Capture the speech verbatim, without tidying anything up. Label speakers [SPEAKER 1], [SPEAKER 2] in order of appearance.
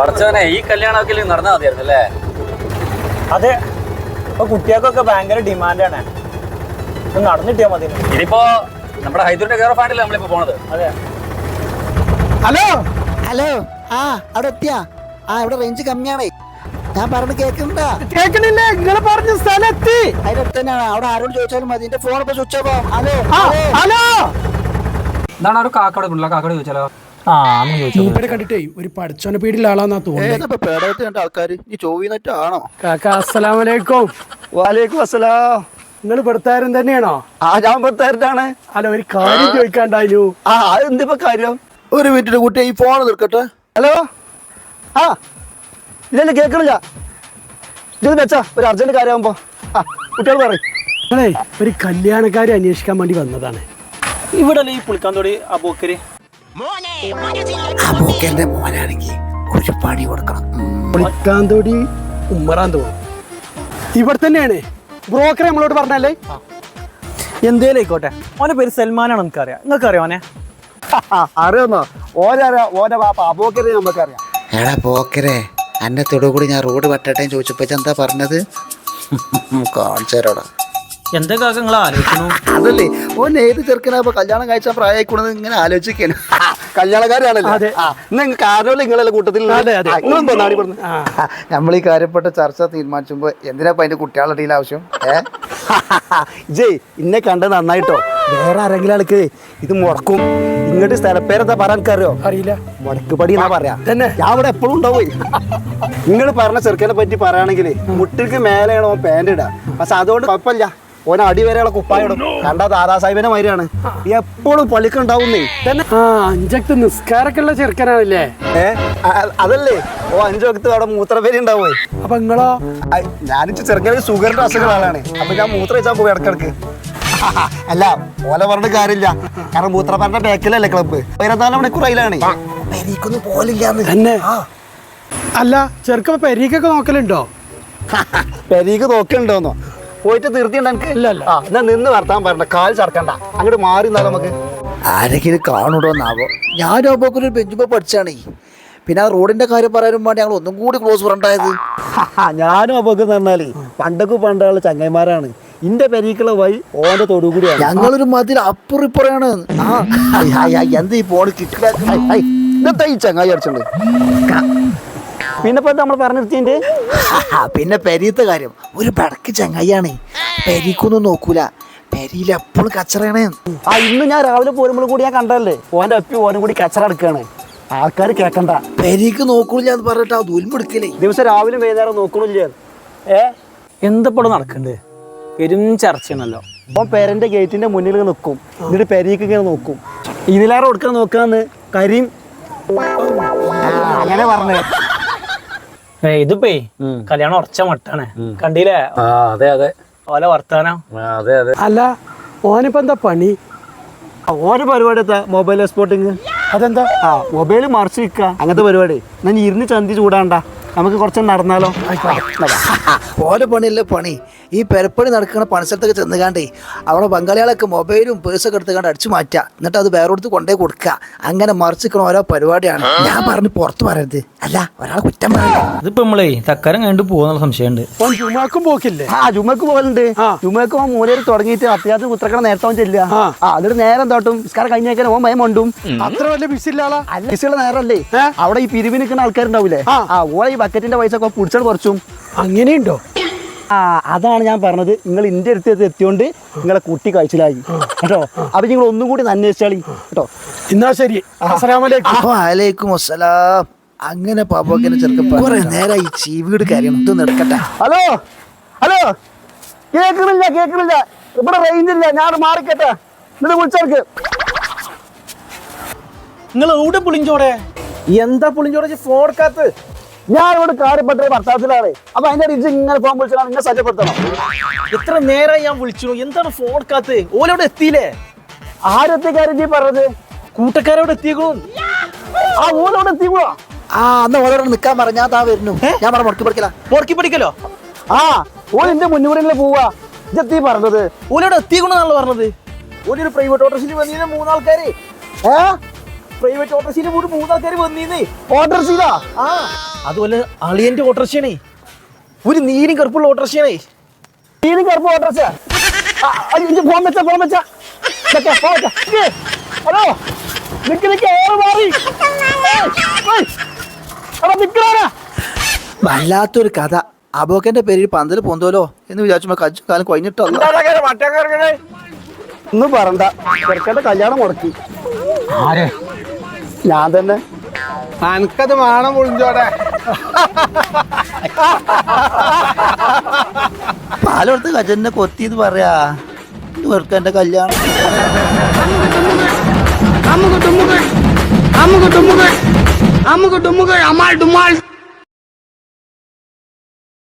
[SPEAKER 1] പഠിച്ചവനെ ഈ കല്യാണമൊക്കെ നടന്നാൽ മതിയായിരുന്നു അല്ലേ?
[SPEAKER 2] അതെ, ഇപ്പൊ കുട്ടികൾക്കൊക്കെ ഭയങ്കര ഡിമാൻഡാണ്. നടന്നിട്ടിയാ മതി.
[SPEAKER 1] ഇനിയിപ്പോ നമ്മുടെ ഹൈദൂരിന്റെ കെയർ ഓഫ് ആയിട്ടല്ലേ നമ്മളിപ്പോ പോണത്.
[SPEAKER 2] അതെ.
[SPEAKER 3] ഹലോ
[SPEAKER 4] ഹലോ, ആ അവിടെ എത്തിയാ? ആ ഇവിടെ റേഞ്ച് കമ്മിയാണേ. ഞാൻ പറഞ്ഞു കേൾക്കണ്ട?
[SPEAKER 3] കേൾക്കണില്ല. നിങ്ങൾ പറഞ്ഞ സ്ഥലത്തി
[SPEAKER 4] അതിനടുത്ത് തന്നെയാണ്. അവിടെ ആരോട് ചോദിച്ചാലും മതി. എന്റെ ഫോൺ ഇപ്പൊ സ്വിച്ച് ഓഫ് ആവും. ഹലോ
[SPEAKER 3] ഹലോ,
[SPEAKER 1] എന്താണ് ഒരു കാക്കോടെ ഉള്ള കാക്കോട് ചോദിച്ചാലോ?
[SPEAKER 2] ആ
[SPEAKER 3] മൂപ്പരെ കണ്ടിട്ടേ ഒരു പഠിച്ചോനെ പേടിയുള്ള ആളാന്നാ തോന്നുന്നത്.
[SPEAKER 4] പേടായിട്ട് കണ്ട ആൾക്കാർ ഈ ചോവിനെറ്റാണോ?
[SPEAKER 3] കാക്ക അസ്സലാമലൈക്കും.
[SPEAKER 4] വാലേക്കും അസ്സലാം.
[SPEAKER 3] നിങ്ങൾ പെടുത്താരൻ തന്നെയാണോ?
[SPEAKER 4] ആ ഞാൻ പെടുത്താരനാണ്.
[SPEAKER 3] അല്ല, ഒരു കാര്യം ചോദിക്കാണ്ടായിരുന്നു.
[SPEAKER 4] ആ എന്തിപ്പോ കാര്യം? ഒരു മിനിറ്റ് കുട്ടി ഈ ഫോൺ തീർക്കട്ടെ. ഹലോ, ആ ഇതെന്നെ കേൾക്കണില്ല. ഇത് വെച്ചാ ഒരു അർജന്റ് കാര്യമാകുമ്പോ ആ കുട്ടികൾ പറയും.
[SPEAKER 3] നിങ്ങളെ ഒരു കല്യാണക്കാരെ അന്വേഷിക്കാൻ വേണ്ടി വന്നതാണ്.
[SPEAKER 2] ഇവിടെ ഈ പുളിക്കാന്തോടി അബൂക്കര്
[SPEAKER 4] അബൂക്കന്റെ മോനാണെങ്കിൽ ഒരു പണി കൊടുക്കണം.
[SPEAKER 3] പുളിക്കാന്തോടി ഉമ്മറാൻ തോന്നും. ഇവിടെ തന്നെയാണ് ബ്രോക്കറെ നമ്മളോട് പറഞ്ഞല്ലേ.
[SPEAKER 2] എന്തേലും ആയിക്കോട്ടെ. ഓന്റെ പേര് സൽമാനാണ്. നമുക്കറിയാം. നിങ്ങൾക്ക് അറിയാം ഓനെ?
[SPEAKER 4] അറിയാന്നോ? ഓരറിയാം. ഓന്റെ പാപ്പ അബൂക്കരെ നമുക്കറിയാം. എടാ പോക്കരെ, അന്നെ തൊടുകൂടി ഞാൻ റോഡ് വെട്ടട്ടെ ചോദിച്ചപ്പോ എന്താ പറഞ്ഞത്? കാണിച്ചേരോടാ.
[SPEAKER 2] എന്താ കാക്ക നിങ്ങൾ ആലോചിക്കുന്നു?
[SPEAKER 4] അതല്ലേ ഓൻ ഏത് ചെറുക്കനാ കല്യാണം കഴിച്ച പ്രായക്കൂടെന്ന് ഇങ്ങനെ ആലോചിക്കാണ്. കല്യാണക്കാരാണല്ലേ? കാരണം നിങ്ങളെ കൂട്ടത്തിൽ നമ്മൾ ഈ കാര്യപ്പെട്ട ചർച്ച തീരുമാനിച്ചുമ്പോ എന്തിനാ അതിന്റെ കുട്ടികളുടെ ഇടയിൽ ആവശ്യം? ഏ ജയ് ഇന്നെ കണ്ടത് നന്നായിട്ടോ. വേറെ ആരെങ്കിലും ആൾക്ക് ഇത് മുടക്കും. ഇങ്ങോട്ട് സ്ഥലപ്പേരെന്താ പറയാൻ അറിയോ?
[SPEAKER 3] അറിയില്ല.
[SPEAKER 4] മുടക്കുപടി എന്നാ പറയാ. തന്നെ ഞാൻ അവിടെ എപ്പോഴും ഉണ്ടാവും. നിങ്ങൾ പറഞ്ഞ ചെറുക്കനെ പറ്റി പറയുകയാണെങ്കിൽ മുട്ടിക്ക് മേലെയാണ് ഓൻ പാൻറ് ഇടാ. പക്ഷെ അതുകൊണ്ട് കുഴപ്പമില്ല. ഓന അടി വരെയുള്ള കുപ്പായിടും. കണ്ട ദാദാ സാഹിബിന്റെ മാതിരിയാണ്. എപ്പോഴും പള്ളിക്കുണ്ടാവുന്നേ.
[SPEAKER 3] ആ അഞ്ചക്ത് നിസ്കാരൊക്കെ ഉള്ള ചെറുക്കനാണല്ലേ?
[SPEAKER 4] ഏ അതല്ലേ ഓ അഞ്ചു വക്കത്ത് അവിടെ മൂത്രപ്പേരി ഉണ്ടാവേ.
[SPEAKER 3] അപ്പൊ നിങ്ങളോ?
[SPEAKER 4] ഞാനിച്ച് ചെറുക്കന് ഷുഗറിന്റെ അസുഖമുള്ള ആളാണ്. അപ്പൊ ഞാൻ മൂത്ര വെച്ചാൽ പോയി ഇടക്കിടക്ക്. അല്ല ഓല പറഞ്ഞ കാര്യമില്ല. കാരണം മൂത്രപ്പാറിന്റെ ബേക്കിലല്ലേ ക്ലബ്ബ്. ഇരുപത്തിനാല് മണിക്കൂർ അതിലാണ്. പെരീക്കൊന്നും പോലില്ലാന്ന്
[SPEAKER 3] തന്നെ. അല്ല ചെറുക്ക പെരീക്കൊക്കെ നോക്കലുണ്ടോ?
[SPEAKER 4] പെരീക്ക് നോക്കലുണ്ടോന്നോ? പോയിട്ട് തീർത്തിയുണ്ട് എനിക്ക്.
[SPEAKER 3] ഇല്ല ഇല്ല.
[SPEAKER 4] എന്നാ നിന്ന് വർത്താൻ പറഞ്ഞ കാൽ ചടക്കണ്ട. അങ്ങോട്ട് മാറി നിന്നാലും നമുക്ക് ആരെങ്കിലും കാണൂടോന്നാവോ. ഞാനും അപ്പോക്ക് ഒരു ബെഞ്ചുമ്പോ പഠിച്ചാണേ. പിന്നെ ആ റോഡിന്റെ കാര്യം പറയാനും വേണ്ടി ഞങ്ങൾ ഒന്നും കൂടി ക്ലോസ് ഫ്രണ്ടായത്. ഞാനും അപ്പോക്ക് എന്ന് പറഞ്ഞാല് പണ്ടൊക്കെ പണ്ടുള്ള ചങ്ങന്മാരാണ്. ഇന്റെ പെരീക്കുള്ള വഴി ഓന്റെ തൊടു കൂടിയാണ്. ഞങ്ങളൊരു മതിൽ അപ്പുറിപ്പുറയാണ്. എന്താ ഈ ഫോണ് കിട്ടില്ല. ഇന്നത്തെ ഈ ചങ്ങായി അടിച്ചുണ്ട്. പിന്നെ ഇപ്പൊ നമ്മൾ പറഞ്ഞിരുത്തിന്റെ പിന്നെ പെരീത്തെ കാര്യം ഒരു പടക്ക് ചങ്ങായിയാണ്. പെരീക്കൊന്നും നോക്കൂല. പെരിയിൽ എപ്പോഴും കച്ചറയാണ്. ആ ഇന്ന് ഞാൻ രാവിലെ പോരുമ്പോഴും കൂടി ഞാൻ കണ്ടല്ലേ ഓന്റെ അപ്പി ഓനും കൂടി കച്ചറ എടുക്കാണ്. ആൾക്കാർ കേക്കണ്ട. പെരീക്ക് നോക്കൂല എന്ന് പറഞ്ഞിട്ട് ആ ദുൽമെടുക്കലേ ദിവസം രാവിലെ വൈകുന്നേരം നോക്കണില്ല. ഏ
[SPEAKER 2] എന്തപ്പോഴും നടക്കണ്ട്? പെരും ചർച്ചയാണല്ലോ.
[SPEAKER 4] ഓൻ പേരന്റെ ഗേറ്റിന്റെ മുന്നിൽ നിൽക്കും. എന്നിട്ട് പെരീക്ക് ഇങ്ങനെ നോക്കും. ഇതിലേറെ കൊടുക്കാൻ നോക്കാന്ന് കരീം അങ്ങനെ പറഞ്ഞേ.
[SPEAKER 2] ഇതിപ്പേ കല്യാണം ഉറച്ച മട്ടാണ്. കണ്ടില്ലേ?
[SPEAKER 1] അതെ അതെ.
[SPEAKER 2] ഓല വർത്താനം.
[SPEAKER 1] അതെ അതെ.
[SPEAKER 3] അല്ല ഓനിപ്പോ എന്താ പണി?
[SPEAKER 4] ഓരോ പരിപാടി എത്താ മൊബൈൽ എക്സ്പോർട്ടിങ്.
[SPEAKER 3] അതെന്താ?
[SPEAKER 4] ആ മൊബൈൽ മറിച്ച് വിൽക്കുക അങ്ങനത്തെ പരിപാടി. ഞാൻ ഇരുന്ന് ചന്തി ചൂടാണ്ട. നമുക്ക് കുറച്ച് നടന്നാലോ? ഓരോ പണിയല്ലേ പണി. ഈ പെരപ്പണി നടക്കുന്ന പണിസ്ഥലത്തൊക്കെ ചെന്നുകാണ്ടേ അവിടെ ബംഗാളികളൊക്കെ മൊബൈലും പേഴ്സൊക്കെ എടുത്തുകൊണ്ട് അടിച്ചു മാറ്റുക. എന്നിട്ട് അത് വേറെ കൊടുത്ത് കൊണ്ടേ കൊടുക്കുക. അങ്ങനെ മറിച്ചിക്കണ ഓരോ പരിപാടിയാണ്. ഞാൻ പറഞ്ഞ് പുറത്ത് പറയരുത്. അല്ല ഒരാളെ കുറ്റം പറയണ്ട.
[SPEAKER 2] ഇതിപ്പോ നമ്മളേ തക്കാരം കണ്ടു പോകുന്നുള്ള സംശയമുണ്ട്.
[SPEAKER 3] ഓൻ ജുമാക്കും പോക്കില്ലേ?
[SPEAKER 4] ആ ജുമക്ക് പോകലുണ്ട്. ജുമക്ക് ഓൻ മൂലയിൽ തുടങ്ങിയിട്ട് അത്യാവശ്യം കുത്രക്കണ നേരത്തെ അവൻ ചെല്ലുക. ആ അതിട്ട് നേരം തോട്ടും നിസ്കാരം കഴിഞ്ഞേക്കാൻ ഓൻ ഭയം കൊണ്ടും.
[SPEAKER 3] അത്ര വലിയ ബിസി ഇല്ലാളാ?
[SPEAKER 4] അല്ല ബിസിയുള്ള നേരമല്ലേ. അവിടെ ഈ പിരിവിന് നിൽക്കുന്ന ആൾക്കാരുണ്ടാവില്ലേ? ആ ഓളെ ഈ ബക്കറ്റിന്റെ പൈസ ഒക്കെ പിടിച്ചാൽ കുറച്ചും.
[SPEAKER 3] അങ്ങനെയുണ്ടോ?
[SPEAKER 4] ആ അതാണ് ഞാൻ പറഞ്ഞത്. നിങ്ങൾ ഇന്റെ അടുത്ത് എത്തിയോണ്ട് നിങ്ങളെ കുട്ടി കഴിച്ചിലായി കേട്ടോ. അപ്പൊ നിങ്ങൾ ഒന്നും കൂടി അന്വേഷിച്ചാളി കേട്ടോ.
[SPEAKER 3] എന്നാ ശരി.
[SPEAKER 4] വലൈക്കും അസ്സലാം. അങ്ങനെ പാപ്പൊക്കെ ചെറുക്കപ്പ കുറെ നേരം ഈ ചീവീട് കാര്യം ഇത് നടക്കട്ടെ. ഹലോ ഹലോ കേൾക്കണില്ല കേൾക്കണില്ല. ഇവിടെ റേഞ്ച് ഇല്ല. ഞാൻ മാറിക്കട്ടെ. എന്നിട്ട് വിളിച്ചേർക്ക്.
[SPEAKER 2] നിങ്ങൾ എവിടെ പുളിഞ്ചോടെ?
[SPEAKER 3] എന്താ പുളിഞ്ചോടെ ഫോൺ എടുക്കാത്ത?
[SPEAKER 4] ഞാൻ ഇവിടെ കാര്യപ്പെട്ട ഭർത്താവത്തിലാണ്. അപ്പൊ അതിന്റെ റിച്ച് ഇങ്ങനെ ഫോൺ വിളിച്ചാൽ നിങ്ങൾ സജ്ജപ്പെടുത്തണം.
[SPEAKER 2] എത്ര നേരം ഞാൻ വിളിച്ചു. എന്താണ് ഫോൺ എടുക്കാത്ത? ഓലോടെ എത്തിയില്ലേ?
[SPEAKER 4] ആരെത്തി കാര്യം നീ പറഞ്ഞത്?
[SPEAKER 2] കൂട്ടക്കാരോട് എത്തിയേക്കണു.
[SPEAKER 4] ആ ഓലോടെ എത്തിക്കോ. ആ അന്ന് ഓരോട് നിക്കാൻ പറഞ്ഞ ഞാൻ താ വരുന്നു. ഞാൻ പറഞ്ഞ മുടക്കി പഠിക്കല
[SPEAKER 2] മുടക്കി പഠിക്കലോ?
[SPEAKER 4] ആ ഓൻ എന്റെ മുന്നൂറിൽ പോവാ. ഇതെത്തി പറഞ്ഞത്
[SPEAKER 2] ഓലോടെ എത്തിക്കണെന്നാണല്ലോ പറഞ്ഞത്. ഒരു പ്രൈവറ്റ് ഓട്ടോറിക്ഷയിൽ വന്നീന്ന് മൂന്നാൾക്കാര്.
[SPEAKER 4] ഏ
[SPEAKER 2] പ്രൈവറ്റ് ഓട്ടോറിക്ഷയിൽ പോയിട്ട് മൂന്നാൾക്കാര് വന്നീന്ന്.
[SPEAKER 4] ഓട്ടോറിക്ഷ
[SPEAKER 2] ആ അതുപോലെ അളിയന്റെ ഓട്ടർഷയാണേ, ഒരു നീരും കറുപ്പുള്ള ഓട്ടർഷയാണേ. നീരും കറുപ്പ് ഓട്ടർഷ. ഫോൺ വെച്ച ഫോൺ വെച്ച ഹലോ നിക്ക് നിക്ക് ഓറ് മാറി.
[SPEAKER 4] വല്ലാത്തൊരു കഥ. അബോക്കന്റെ പേരിൽ പന്തല് പൊന്തോലോ എന്ന് വിചാരിച്ചുമ്പോ കജ്ജു കാലം കൊഞ്ഞിട്ടല്ലോ.
[SPEAKER 2] ഒന്നും പറണ്ട, ചെറുക്കന്റെ കല്യാണം മുടക്കി.
[SPEAKER 1] ആരെ?
[SPEAKER 2] ഞാൻ തന്നെ.
[SPEAKER 5] അനക്കത് വേണം മുഴിഞ്ചോടെ.
[SPEAKER 4] പാലെടുത്ത് കജന്നെ കൊത്തിന്ന് പറയാ. ചെറുക്കന്റെ കല്യാണം.
[SPEAKER 5] അമ്മുക്ക് ടുമ്മുകൾ അമ്മുക്ക് ടുമ്മുകൾ അമ്മുക്ക് ടുമ്മുകൾ അമാൾ ഡുമാൾ.